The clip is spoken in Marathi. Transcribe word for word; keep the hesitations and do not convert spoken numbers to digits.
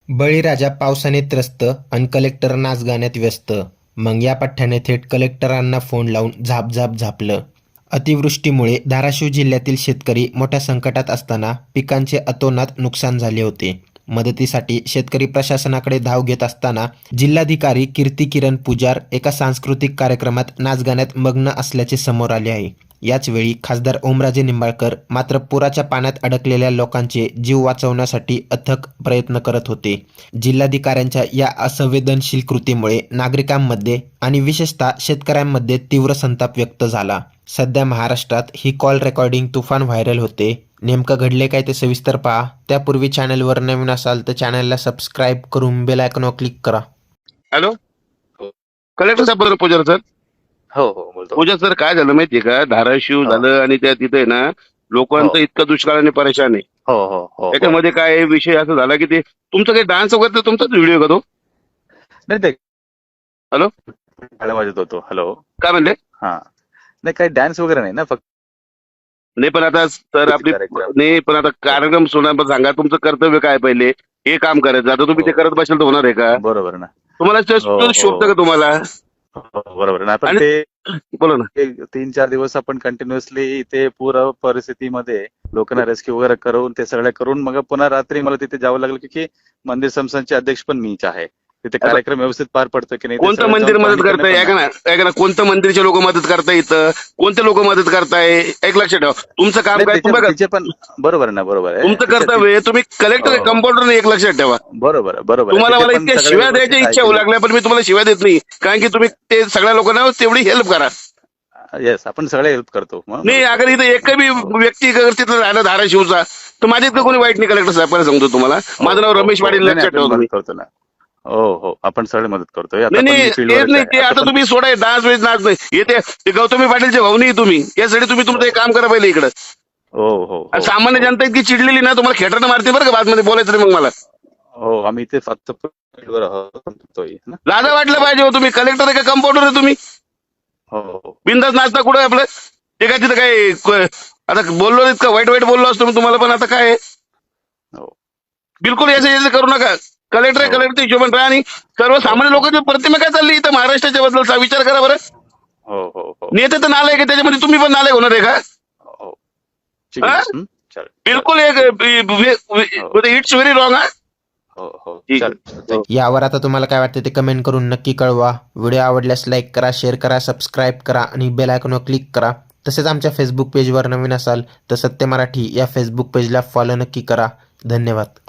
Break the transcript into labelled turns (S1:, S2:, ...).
S1: बळीराजा पावसाने त्रस्त अन कलेक्टर नाचगाण्यात व्यस्त. मग या पठ्ठ्याने थेट कलेक्टरांना फोन लावून झाप झाप झापलं. अतिवृष्टीमुळे धाराशिव जिल्ह्यातील शेतकरी मोठ्या संकटात असताना पिकांचे अतोनात नुकसान झाले होते. मदतीसाठी शेतकरी प्रशासनाकडे धाव घेत असताना जिल्हाधिकारी कीर्ती किरण पुजार एका सांस्कृतिक कार्यक्रमात नाचगाण्यात मग्न असल्याचे समोर आले आहे. याच वेळी खासदार ओमराजे निंबाळकर मात्र पुराच्या पाण्यात अडकलेल्या लोकांचे जीव वाचवण्यासाठी अथक प्रयत्न करत होते. जिल्हाधिकाऱ्यांच्या या असंवेदनशील कृतीमुळे नागरिकांमध्ये आणि विशेषतः शेतकऱ्यांमध्ये तीव्र संताप व्यक्त झाला. सध्या महाराष्ट्रात ही कॉल रेकॉर्डिंग तुफान व्हायरल होते. नेमकं घडले काय ते सविस्तर पहा. त्यापूर्वी चॅनलवर नवीन असाल तर चॅनलला सबस्क्राईब करून बेल आयकॉनवर क्लिक करा.
S2: हॅलो, कलेक्टर साहेब बरोबर पूजा सर.
S3: हो हो बोलतो.
S2: पूजा सर, काय झालं माहितीये का, धाराशिव
S3: हो.
S2: झालं आणि त्या तिथे ना लोकांचं
S3: हो.
S2: इतकं दुष्काळाने परेशान आहे.
S3: हो हो हो
S2: त्याच्यामध्ये काय विषय असं झाला की ते तुमचं काही डान्स वगैरे तर तुमचाच व्हिडिओ का तो?
S3: नाही ते
S2: हॅलो?
S3: टाळ्या वाजत होतो. हॅलो,
S2: काय म्हणले?
S3: हा नाही काही डान्स वगैरे नाही ना, फक्त
S2: नाही पण आता सर आपली
S3: कार्यक्रम.
S2: नाही पण आता कार्यक्रम सोडा, पण सांगा तुमचं कर्तव्य काय पहिले हे काम करायचं. आता तुम्ही ते करत बसाल तर होणार आहे का?
S3: बरोबर ना.
S2: तुम्हाला
S3: हो,
S2: just
S3: हो.
S2: शोभतं का तुम्हाला?
S3: हो, बरोबर ना. पण
S2: आणि-
S3: ते
S2: बोला ना.
S3: एक तीन चार दिवस आपण कंटिन्युअसली इथे पूर परिस्थितीमध्ये लोकांना रेस्क्यू वगैरे करून ते सगळं करून मग पुन्हा रात्री मला तिथे जावं लागलं, की मंदिर संस्थानचे अध्यक्ष पण मीच आहे. तिथे कार्यक्रम व्यवस्थित पार पडतो की नाही ते
S2: कोणतं
S3: सगळं
S2: मंदिर
S3: जाऊन
S2: मदत
S3: पाहणी
S2: करताय?
S3: करणं
S2: ऐका ना ऐका ना कोणतं मंदिरचे लोक मदत करताय इथं? कोणते लोक मदत करताय? एक लक्षात ठेवा, तुमचं काम
S3: नाही,
S2: काय
S3: त्याचे-
S2: तुम्ही बघा,
S3: त्याचे पण बरोबर आहे ना, बरोबर आहे.
S2: तुमचं
S3: त्याचे-
S2: कर्तव्य आहे. तुम्ही कलेक्टर
S3: हो.
S2: कंपाऊंडर एक लक्षात ठेवा.
S3: बरोबर आहे, बरोबर आहे.
S2: तुम्हाला
S3: त्याचे
S2: मला
S3: पण
S2: इतक्या
S3: सगळे
S2: शिव्या
S3: व्यवस्थित
S2: द्यायची इच्छा होऊ
S3: ऐकले.
S2: लागल्या, पण मी तुम्हाला शिव्या देत नाही, कारण की तुम्ही ते सगळ्या लोकांना तेवढी हेल्प करा.
S3: येस, आपण सगळे हेल्प करतो. मग-
S2: नाही अगर इथं एक बी व्यक्ती अगर तिथं राहिला धाराशिवचा तर माझ्या इथं कोणी वाईट नाही. कलेक्टर साहेब सांगतो तुम्हाला,
S3: हो,
S2: माझं नाव
S3: हो,
S2: रमेश
S3: हो.
S2: पाटील,
S3: नाही, नाही,
S2: लक्षात ठेवा
S3: आपण
S2: तुम्ही.
S3: मदत करतो ना. हो हो, आपण सगळे मदत करतोय. आता
S2: नाही
S3: पण
S2: नाही
S3: मी
S2: तेच
S3: फील्डवरच
S2: नाही
S3: आहे.
S2: ते आता
S3: पण-
S2: तुम्ही सोडाय डान्स वेज नाच नाही येते ते गौतमी पाटीलचे भाऊ नाही तुम्ही, यासाठी तुम्ही तुमचं एक काम करा पहिले इकडं.
S3: हो हो हो,
S2: आणि सामान्य
S3: हो.
S2: जनता इतकी चिडलेली ना, तुम्हाला खेटरनं मारते बरं का बातमध्ये बोलायचं नाही मग मला.
S3: हो, आम्ही इथे फक्त फील्डवर आहोत ना.
S2: लाजा वाटलं पाहिजे हो, तुम्ही कलेक्टर आहे का कंपाऊंडर आहे तुम्ही?
S3: हो हो
S2: बिंदास नाचता कुठं आहे आपलं? ते काय तिथं काय क- आता बोललो इतकं वाईट वाईट बोललो असतो मी तुम्हाला, पण आता काय आहे?
S3: हो.
S2: बिलकुल याचं याचं करू नका. कलेक्टर आहे,
S3: हो.
S2: कलेक्टर हिशोबाने राहा. आणि सर्वसामान्य लोकांची प्रतिमा काय चालली इथं महाराष्ट्राच्या बद्दलचा विचार करा बरं.
S3: हो हो हो
S2: नेते तर नालायक आहे, त्याच्यामध्ये तुम्ही पण नालायक होणार आहे का?
S3: हो. ठीक आहे.
S2: हा?
S3: हं? चालेल.
S2: बिलकुल एक इट्स व्हेरी रॉंग. हा
S3: हो हो
S2: ठीक
S3: चालेल.
S2: आहे.
S1: यावर आता तुम्हाला काय वाटतं ते कमेंट करून नक्की कळवा. व्हिडिओ आवडल्यास लाईक करा, शेअर करा, सबस्क्राईब करा आणि बेल आयकॉनवर क्लिक करा. तसेच आमच्या फेसबुक पेजवर नवीन असाल तर सत्य मराठी या फेसबुक पेजला फॉलो नक्की करा. धन्यवाद.